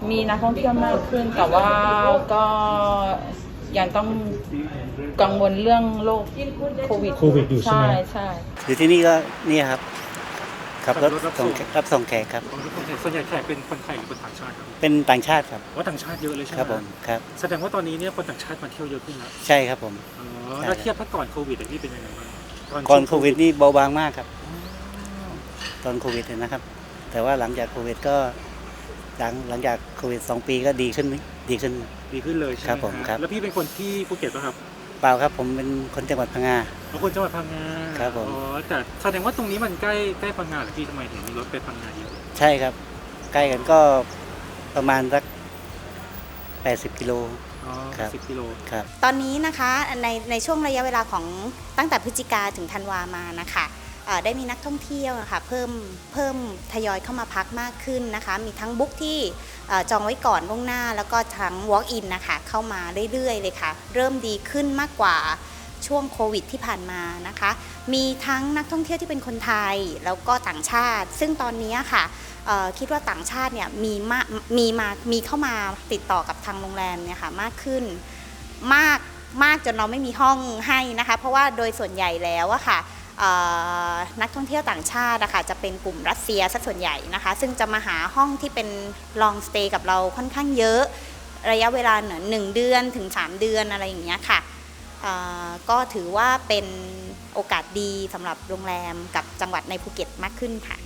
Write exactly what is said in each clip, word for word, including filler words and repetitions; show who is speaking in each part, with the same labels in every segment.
Speaker 1: มีนักท่องเที่ยวมากขึ้นแต่ว่าก็ยังต้องกังวลเรื่องโรคโควิด
Speaker 2: โควิดอยู่ใช่ไหม
Speaker 1: ใช่ใช่
Speaker 3: อยู่ที่นี่ก็นี่ครับขับรถส่งรับส่งแขกครับ
Speaker 2: ส่วนใหญ่แขกเป็นคนไทยหรือคนต่างชาติครับ
Speaker 3: เป็นต่างชาติครับ
Speaker 2: ว่าต่างชาติเยอะเลยใช่ไหม
Speaker 3: ครับผมครับ
Speaker 2: แสดงว่าตอนนี้เนี่ยคนต่างชาติมาเที่ยวเยอะขึ้นแล้ว
Speaker 3: ใช่ครับผม
Speaker 2: อ๋อแล้วเทียบถ้าก่อนโควิดนี่เป็นยังไงบ้าง
Speaker 3: ก่อนโควิดนี่เบาบางมากครับตอนโควิดนะครับ แต่ว่าหลังจากโควิดก็หลังหลังจากโควิดสองปีก็ดีขึ้นไหมดีขึ้น
Speaker 2: ดีขึ้นเลยใช่ไหม
Speaker 3: ครับผมครับ
Speaker 2: แล้วพี่เป็นคนที่ภูเก็ตป่ะครับ
Speaker 3: เปล่าครับผมเป็นคนจังหวัดพังงา
Speaker 2: เป็นคนจังหวัดพังงา
Speaker 3: ครับผม
Speaker 2: อ๋อแต่แสดงว่าตรงนี้มันใกล้ใกล้พังงาหรือพี่ทำไมถึงมีรถไปพังงาเยอะ
Speaker 3: ใช่ครับ ใกล้กันก็ประมาณสักแปดสิบกิโล
Speaker 2: อ๋อ
Speaker 3: ครับ
Speaker 2: สิบกิโล
Speaker 3: ครับ
Speaker 4: ตอนนี้นะคะในในช่วงระยะเวลาของตั้งแต่พฤศจิกาถึงธันวามานะคะเอ่อได้มีนักท่องเที่ยวนะคะเพิ่มเพิ่มทยอยเข้ามาพักมากขึ้นนะคะมีทั้งบุ๊กที่เอ่อจองไว้ก่อนล่วงหน้าแล้วก็ทั้ง walk in นะคะเข้ามาเรื่อยๆเลยค่ะเริ่มดีขึ้นมากกว่าช่วงโควิดที่ผ่านมานะคะมีทั้งนักท่องเที่ยวที่เป็นคนไทยแล้วก็ต่างชาติ ซึ่งตอนนี้ค่ะเอ่อคิดว่าต่างชาติเนี่ยมีมามีมามีเข้ามาติดต่อกับทางโรงแรมเนี่ยค่ะมากขึ้นมากมากจนเราไม่มีห้องให้นะคะเพราะว่าโดยส่วนใหญ่แล้วอะค่ะนักท่องเที่ยวต่างชาตินะคะจะเป็นกลุ่มรัสเซียสักส่วนใหญ่นะคะซึ่งจะมาหาห้องที่เป็น long stay กับเราค่อนข้างเยอะระยะเวลาเหนือหนึ่งเดือนถึงสามเดือนอะไรอย่างเงี้ยค่ะก็ถือว่าเป็นโอกาสดีสำหรับโรงแรมกับจังหวัดในภูเก็ตมากขึ้นค่ะ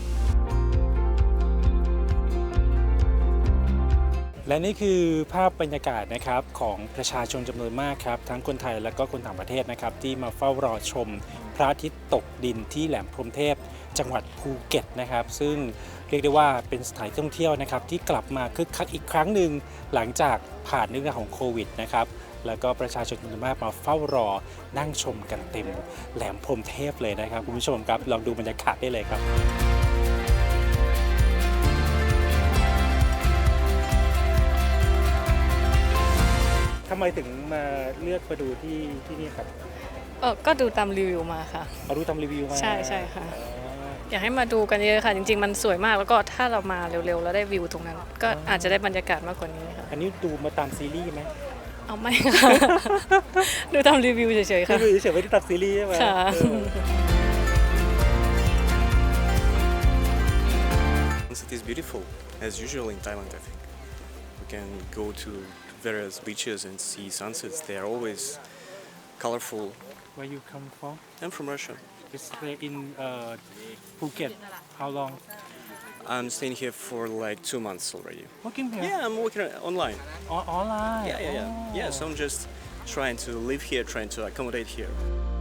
Speaker 2: และนี่คือภาพบรรยากาศนะครับของประชาชนจำนวนมากครับทั้งคนไทยและก็คนต่างประเทศนะครับที่มาเฝ้ารอชมพระอาทิตย์ตกดินที่แหลมพรหมเทพจังหวัดภูเก็ตนะครับซึ่งเรียกได้ว่าเป็นสถานที่ท่องเที่ยวนะครับที่กลับมาคึกคักอีกครั้งหนึ่งหลังจากผ่านเรื่องราวของโควิดนะครับแล้วก็ประชาชนจำนวนมากมาเฝ้ารอนั่งชมกันเต็มแหลมพรหมเทพเลยนะครับคุณผู้ชมครับลองดูบรรยากาศได้เลยครับทำไมถึงมาเลือกมาดูที่ที่นี่ครับ
Speaker 5: เออก็ดูตามรีวิวมาค่ะ
Speaker 2: เอาดูตามรีวิวมา
Speaker 5: ใช่ใช่ค่ะอยากให้มาดูกันเยอะค่ะจริงๆมันสวยมากแล้วก็ถ้าเรามาเร็วๆแล้วได้วิวตรงนั้น ก็อาจจะได้บรรยากาศมากกว่านี้ค่ะ
Speaker 2: อันนี้ดูมาตามซีรีส์ไหม
Speaker 5: เอาไม่ค่ะ ดูตามรีวิวเฉยๆค่ะ
Speaker 2: รีวิวเฉยๆไม่ได้ตามซีรีส์ใช่ไหม
Speaker 5: ค่ะ
Speaker 6: Sunset is beautiful as usual in Thailand. I think we can go to various beaches and see sunsets. They are always colorful.
Speaker 2: Where you come from?
Speaker 6: I'm from Russia.
Speaker 2: You stay in uh, Phuket. How long?
Speaker 6: I'm staying here for like two months already.
Speaker 2: Working here?
Speaker 6: Yeah, I'm working online.
Speaker 2: O- online?
Speaker 6: Yeah, yeah, yeah.
Speaker 2: Oh.
Speaker 6: Yeah, so I'm just trying to live here, trying to accommodate here.